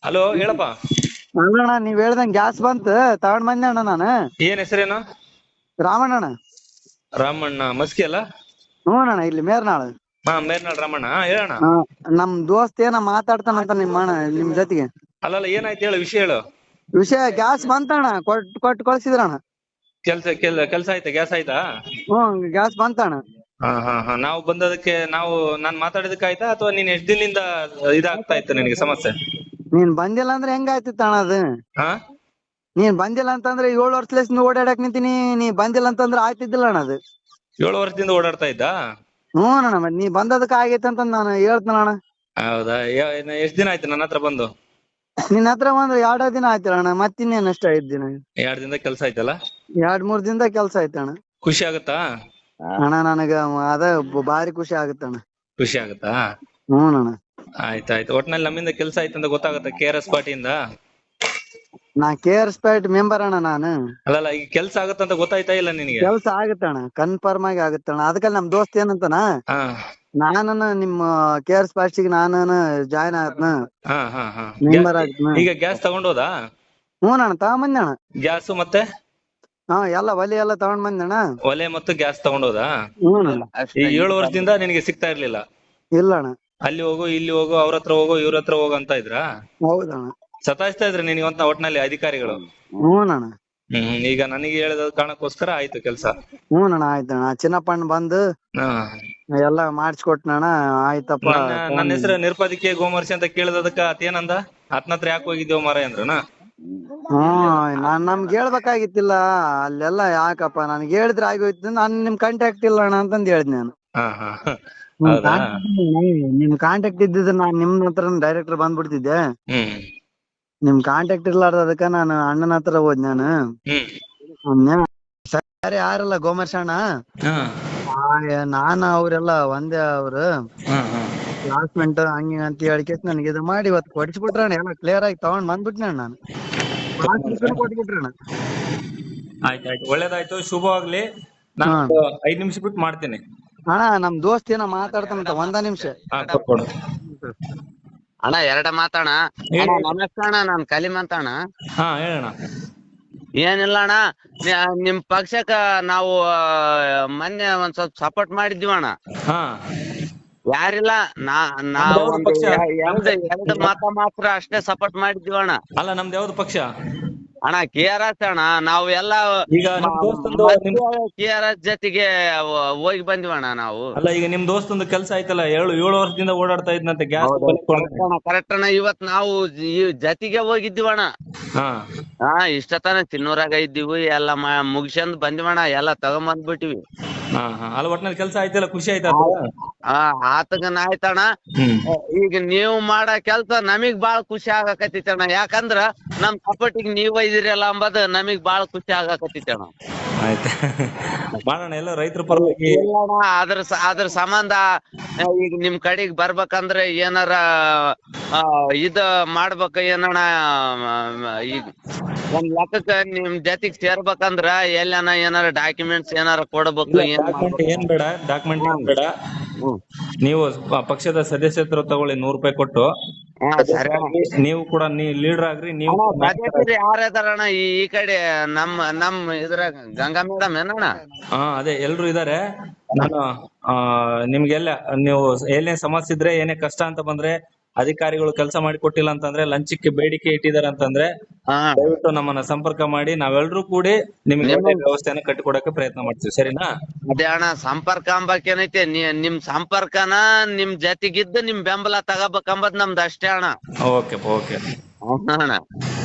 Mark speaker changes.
Speaker 1: Hello ಹೇಳಪ್ಪ.
Speaker 2: ಅಲ್ಲಣ್ಣ ನೀವ್ ಹೇಳ್ದಂಗ್ gas ಬಂತ ತಗೊಂಡ್ ಬಂದೆ ಅಣ್ಣ ನಾನು.
Speaker 1: ಏನ್ ಹೆಸರೇನು?
Speaker 2: ರಾಮಣ್ಣ.
Speaker 1: ರಾಮಣ್ಣ ಮಸ್ಕಿ ಅಲ್ಲ?
Speaker 2: ಹ್ಞೂ ಅಣ್ಣ ಇಲ್ಲಿ ಮೇರ್ನಾಳ್.
Speaker 1: ಹಾ ಮೇರ್ನಾಳ್ ರಾಮಣ್ಣ ಹೇಳಣ್ಣ.
Speaker 2: ನಮ್ ದೋಸ್ತ್ ಏನ ಮಾತಾಡ್ತಾನಂತ ನಿಮ್ ಜೊತೆಗೆ.
Speaker 1: ಅಲ್ಲಲ್ಲ ಏನಾಯ್ತು ಹೇಳು, ವಿಷಯ ಹೇಳು.
Speaker 2: ವಿಷಯ ಗ್ಯಾಸ್ ಬಂತಣ್ಣ, ಕೊಟ್ಟು ಕಳ್ಸಿದ್ರಣ್ಣ.
Speaker 1: ಕೆಲ್ಸ ಆಯ್ತಾ? ಗ್ಯಾಸ್ ಆಯ್ತಾ?
Speaker 2: ಗ್ಯಾಸ್ ಬಂತಣ್ಣ.
Speaker 1: ಹಾ ನಾವು ಬಂದದಕ್ಕೆ ನಾನ್ ಮಾತಾಡಿದಕ್ಕೆ ಆಯ್ತಾ ಅಥವಾ ನೀನ್ ಎಷ್ಟ್ ದಿನದಿಂದ ಇದಾಗ್ತಾ ಇತ್ತು ನಿನಗೆ ಸಮಸ್ಯೆ?
Speaker 2: ನೀನ್ ಬಂದಿಲ್ಲ ಅಂದ್ರೆ ಹೆಂಗಾಯ್ತಿತ್ತ ಅಣ್ಣ ಅದು?
Speaker 1: ಹಾ
Speaker 2: ನೀನ್ ಬಂದಿಲ್ಲ ಅಂತಂದ್ರೆ 7 ವರ್ಷದಿಂದ ಓಡಾಡಕ್ ನಿಂತೀನಿ, ನೀ ಬಂದಿಲ್ಲ ಅಂತಂದ್ರೆ ಆಯ್ತಿದ್ದಿಲ್ಲ ಅಣ್ಣ ಅದು.
Speaker 1: 7 ವರ್ಷದಿಂದ ಓಡಾಡ್ತಾ ಇದ್ದ?
Speaker 2: ಹ್ಞೂ ಅಣ್ಣ, ಮತ್ ನೀ ಬಂದದಕ್ಕೆ ಆಗೈತೆ ಅಂತ ನಾನು ಹೇಳ್ತೇನಣ್ಣ.
Speaker 1: ಹೌದಾ? ಎಷ್ಟ್ ದಿನ ಆಯ್ತು ನನ್ನ ಹತ್ರ ಬಂದು?
Speaker 2: ನಿನ್ನ ಹತ್ರ ಬಂದ್ರೆ 2 ದಿನ ಆಯ್ತಲ್ಲ ಅಣ್ಣ, ಮತ್ತಿನ್ನೇನ್ ಅಷ್ಟ 5 ದಿನ.
Speaker 1: 2 ದಿನದ ಕೆಲ್ಸ ಆಯ್ತಲ್ಲ?
Speaker 2: 2-3 ದಿನದ ಕೆಲ್ಸ ಆಯ್ತಣ್ಣ.
Speaker 1: ಖುಷಿ ಆಗುತ್ತಾ?
Speaker 2: ಅಣ್ಣ ನನಗ ಅದ ಭಾರಿ ಖುಷಿ ಆಗುತ್ತಣ್ಣ.
Speaker 1: ಖುಷಿ ಆಗುತ್ತಾ?
Speaker 2: ಹ್ಞೂ ಅಣ್ಣ.
Speaker 1: ಆಯ್ತಾಯ್ತು. ಒಟ್ನಲ್ಲಿ ನಮ್ಮಿಂದ ಕೆಲ್ಸ ಆಯ್ತು ಅಂತ ಗೊತ್ತಾಗತ್ತೆ KRS ಪಾರ್ಟಿಯಿಂದ.
Speaker 2: ನಾ KRS ಪಾರ್ಟಿ ಮೆಂಬರ್ ಅಣ್ಣ ನಾನು.
Speaker 1: ಅಲ್ಲಲ್ಲ ಈಗ ಕೆಲ್ಸ ಆಗತ್ತಂತ ಗೊತ್ತಾಯ್ತಾ ಇಲ್ಲ ನಿನಗೆ?
Speaker 2: ಕೆಲ್ಸ ಆಗತ್ತಣ್ಣ, ಕನ್ಫರ್ಮ್ ಆಗಿ ಆಗತ್ತಣ್ಣ. ಅದಕ್ಕೆ ನಮ್ ದೋಸ್ತ್ ಏನಂತಾನ,
Speaker 1: ಹಾ
Speaker 2: ನಾನನ ನಿಮ್ಮ KRS ಪಾರ್ಟಿಗೆ ನಾನು ಜಾಯ್ನ್ ಆಗತ್ನ,
Speaker 1: ಹಾ ಹಾ ಹಾ
Speaker 2: ಮೆಂಬರ್ ಆಗ್ತನ.
Speaker 1: ಈಗ ಗ್ಯಾಸ್ ತಗೊಂಡೋದಾ?
Speaker 2: ಹ್ಞೂ ಅಣ್ಣ ತಗೊಂಡ್ ಅಣ್ಣ.
Speaker 1: ಗ್ಯಾಸ್ ಮತ್ತೆ
Speaker 2: ಎಲ್ಲ ಒಲೆ ಎಲ್ಲ ತಗೊಂಡ್ ಬಂದಣ್ಣ.
Speaker 1: ಒಲೆ ಮತ್ತು ಗ್ಯಾಸ್ ತಗೊಂಡೋದಾ?
Speaker 2: ಹ್ಞೂ ಅಣ್ಣ.
Speaker 1: ಈ 7 ವರ್ಷದಿಂದ ನಿನಗೆ ಸಿಗ್ತಾ ಇರ್ಲಿಲ್ಲ?
Speaker 2: ಇಲ್ಲ ಅಣ್ಣ.
Speaker 1: ಅಲ್ಲಿ ಹೋಗು ಇಲ್ಲಿ ಹೋಗು, ಅವ್ರ ಹತ್ರ ಹೋಗು ಇವ್ರ ಹತ್ರ ಹೋಗು ಅಂತ ಇದ್ರಾ?
Speaker 2: ಹೌದಣ್ಣ.
Speaker 1: ಸತಾಯಿಸ್ತಾ ಇದ್ರೆ ನಿನಗೆ ಒಟ್ನಲ್ಲಿ ಅಧಿಕಾರಿಗಳು?
Speaker 2: ಹ್ಞೂ ಅಣ್ಣ.
Speaker 1: ಈಗ ನನಗೆ ಹೇಳಿದ ಕಾರಣಕ್ಕೋಸ್ಕರ ಆಯ್ತು ಕೆಲ್ಸ.
Speaker 2: ಹ್ಞೂ ಅಣ್ಣ ಆಯ್ತಣ್ಣ. ಚಿನ್ನಪ್ಪಣ್ಣ ಬಂದು
Speaker 1: ಹಾ
Speaker 2: ಎಲ್ಲ ಮಾಡಿಸ್ಕೊಟ್ನಣ್ಣ. ಆಯ್ತಪ್ಪ.
Speaker 1: ನನ್ನ ಹೆಸರು ನಿರುಪದಿಕೆ ಗೋಮರ್ಶಿ ಅಂತ ಕೇಳಿದದಕ್ಕ ಆತೇನಂದ? ಆತನ ಹತ್ರ ಯಾಕೆ ಹೋಗಿದ್ದೇವ ಮಾರಾಯ ಅಂದ್ರನ?
Speaker 2: ನಮ್ಗೆ ಹೇಳ್ಬೇಕಾಗಿತ್ತಿಲ್ಲ ಅಲ್ಲೆಲ್ಲ. ಯಾಕಪ್ಪ ನನ್ಗೆ ಹೇಳಿದ್ರೆ ಆಗೋಯ್ತು, ನಾನ್ ನಿಮ್ ಕಾಂಟ್ಯಾಕ್ಟ್ ಇಲ್ಲ ಅಣ್ಣ ಅಂತಂದ್ ಹೇಳಿದ್ ನಾನು.
Speaker 1: ಹಾ ಹಾ ಹೌದಾ?
Speaker 2: ನಿಮ್ ಕಾಂಟ್ಯಾಕ್ಟ್ ಇದ್ದಿದ್ರೆ ನಾನ್ ನಿಮ್ ಹತ್ರ ಡೈರೆಕ್ಟರ್ ಬಂದ್ಬಿಡ್ತಿದ್ದೆ. ನಿಮ್ ಕಾಂಟ್ಯಾಕ್ಟ್ ಇರ್ಲಾರ್ದಕ್ಕ ನಾನು ಅಣ್ಣನ ಹತ್ರ ಹೋದ್ ನಾನು. ಸರಿ ಯಾರಲ್ಲ ಗೋಮರ್ಶ ಅಣ್ಣ, ನಾನು ಅವ್ರೆಲ್ಲ ಒಂದೇ. ಅವ್ರು ಕ್ಲಾಸ್ಮೇಟ್ ಹಂಗ ಅಂತ ಹೇಳಿಕೆ ನನಗೆ ಇದು ಮಾಡಿ ಇವತ್ತು ಕೊಡಿಸ್ಬಿಟ್ರಣ್ಣ. ಎಲ್ಲ ಕ್ಲಿಯರ್ ಆಗಿ ತಗೊಂಡ್ ಬಂದ್ಬಿಟ್ನ ನಾನು. ಕೊಟ್ಬಿಟ್ರಣ್ಣ.
Speaker 1: ಆಯ್ತಾಯ್ತು, ಒಳ್ಳೇದಾಯ್ತು, ಶುಭವಾಗ್ಲಿ. ನಾನು 5 ನಿಮಿಷ ಬಿಟ್ಟು ಮಾಡ್ತೇನೆ.
Speaker 2: ಅಣ್ಣ ನಮ್ ದೋಸ್ತ್ ಏನೋ ಮಾತಾಡ್ತಾನಂತ, 1 ನಿಮಿಷ.
Speaker 1: ಕೊಡು.
Speaker 3: ಅಣ್ಣ 2 ಮಾತಣ್ಣ. ನಮಸ್ಕಾರ ಅಣ್ಣ, ನಾನ್ ಕಲಿಮ್ ಅಂತ ಅಣ್ಣ.
Speaker 1: ಹಾ ಹೇಳಣ್ಣ.
Speaker 3: ಏನಿಲ್ಲ ಅಣ್ಣ, ನಿಮ್ ಪಕ್ಷಕ್ಕ ನಾವು ಮೊನ್ನೆ ಒಂದ್ ಸ್ವಲ್ಪ ಸಪೋರ್ಟ್ ಮಾಡಿದ್ವಿ ಅಣ್ಣ.
Speaker 1: ಹಾ
Speaker 3: ಯಾರಿಲ್ಲ, ನಾವು ಎರಡು ಮತ ಮಾತ್ರ ಅಷ್ಟೇ ಸಪೋರ್ಟ್ ಮಾಡಿದ್ವಿ ಅಣ್ಣ.
Speaker 1: ಅಲ್ಲ ನಮ್ದು ಯಾವ್ದು ಪಕ್ಷ
Speaker 3: ಅಣ್ಣ? KRS ಅಣ್ಣ. ನಾವು ಎಲ್ಲ
Speaker 1: ಈಗ
Speaker 3: KRS ಜೊತೆಗೆ ಹೋಗಿ ಬಂದ್ವಿ ಅಣ್ಣ ನಾವು.
Speaker 1: ಅಲ್ಲ ಈಗ ನಿಮ್ ದೋಸ್ತಂದು ಕೆಲ್ಸ ಆಯ್ತಲ್ಲ, 7 ವರ್ಷದಿಂದ ಓಡಾಡ್ತಾ ಇದ್ನಂತೆ ಗ್ಯಾಸ್.
Speaker 3: ಕರೆಕ್ಟ್ ಅಣ್ಣ. ಇವತ್ ನಾವು ಜೊತೆಗೆ ಹೋಗಿದ್ವಿ ಅಣ್ಣ. ಇಷ್ಟತನ ಚಿನ್ನೂರಾಗ ಇದ್ದೀವಿ, ಎಲ್ಲ ಮುಗಿಸ್ಕೊಂಡ್ ಬಂದಿವಣ್ಣ, ಎಲ್ಲ ತಗೊಂಬಂದ್ಬಿಟ್ಟಿವಿ.
Speaker 1: ಅಲ್ಲ ಒಟ್ನಲ್ಲಿ ಕೆಲ್ಸ ಆಯ್ತಲ್ಲ, ಖುಷಿ ಆಯ್ತಾ?
Speaker 3: ಆತಗನ ಆಯ್ತಣ್ಣ. ಈಗ ನೀವು ಮಾಡೋ ಕೆಲ್ಸ ನಮಗ್ ಬಾಳ ಖುಷಿ ಆಗಾಕತ್ತಿತ್ತಣ್ಣ. ಯಾಕಂದ್ರ ನಮ್ ಸಪೋರ್ಟಿಗೆ ನೀವ್ ಒಯ್ದಿರಲ್ಲ ಅಂಬದ್ ನಮಗ್ ಬಾಳ ಖುಷಿ ಆಗಾಕತ್ತಿತ್ತಣ್ಣ.
Speaker 1: ಆಯ್ತಾ, ಮಾಡೋಣ ಎಲ್ಲ ರೈತರ ಪರವಾಗಿ.
Speaker 3: ಅದ್ರ ಸಂಬಂಧ ಈಗ ನಿಮ್ ಕಡೆಗ್ ಬರ್ಬೇಕಂದ್ರೆ ಏನಾರ ಇದ ಮಾಡ್ಬೇಕ ಏನಣ್ಣ. ಈಗ ಒಂದ್ ಲೆಕ್ಕಕ್ಕ ನಿಮ್ ಜೊತೆಗ್ ಸೇರ್ಬೇಕಂದ್ರ ಎಲ್ಲನ ಏನಾರ ಡಾಕ್ಯುಮೆಂಟ್ಸ್ ಏನಾರ ಕೊಡ್ಬೇಕು.
Speaker 1: ಏನ್ ಬೇಡ, ಡಾಕ್ಯುಮೆಂಟ್ ಏನ್ ಬೇಡ. ನೀವು ಪಕ್ಷದ ಸದಸ್ಯತ್ವ ತಗೊಳ್ಳಿ, 100 ರೂಪಾಯಿ ಕೊಟ್ಟು. ನೀವು ಕೂಡ ಲೀಡರ್ ಆಗ್ರಿ. ನೀವು
Speaker 3: ಯಾರದಾರಣ್ಣ ಈ ಕಡೆ ನಮ್ ಇದ್ರಾಗ? ಗಂಗಾ ಮೇಡಮ್ ಏನಣ್ಣ?
Speaker 1: ಅದೇ ಎಲ್ರು ಇದಾರೆ. ನಾನು ನಿಮ್ಗೆಲ್ಲ ನೀವು ಏನೇ ಸಮಸ್ಯೆ ಇದ್ರೆ, ಏನೇ ಕಷ್ಟ ಅಂತ ಬಂದ್ರೆ, ಅಧಿಕಾರಿಗಳು ಕೆಲಸ ಮಾಡಿ ಕೊಟ್ಟಿಲ್ಲ ಅಂತಂದ್ರೆ, ಲಂಚಕ್ಕೆ ಬೇಡಿಕೆ ಇಟ್ಟಿದ್ದಾರೆ ಅಂತಂದ್ರೆ, ದಯವಿಟ್ಟು ನಮ್ಮನ್ನ ಸಂಪರ್ಕ ಮಾಡಿ. ನಾವೆಲ್ಲರೂ ಕೂಡಿ ನಿಮ್ಗೆ ವ್ಯವಸ್ಥೆಯನ್ನ ಕಟ್ಟಿಕೊಡಕ್ಕೆ ಪ್ರಯತ್ನ ಮಾಡ್ತೀವಿ. ಸರಿನಾ?
Speaker 3: ಅದೇ ಅಣ್ಣ, ಸಂಪರ್ಕ ಅಂಬಕೇನೈತೆ, ನಿಮ್ ಸಂಪರ್ಕನ ನಿಮ್ ಜೊತೆಗಿದ್ದು ನಿಮ್ ಬೆಂಬಲ ತಗೋಬೇಕಂಬದ್ ನಮ್ದು ಅಷ್ಟೇ ಅಣ್ಣ.
Speaker 1: ಓಕೆ.
Speaker 3: ಅಣ್ಣ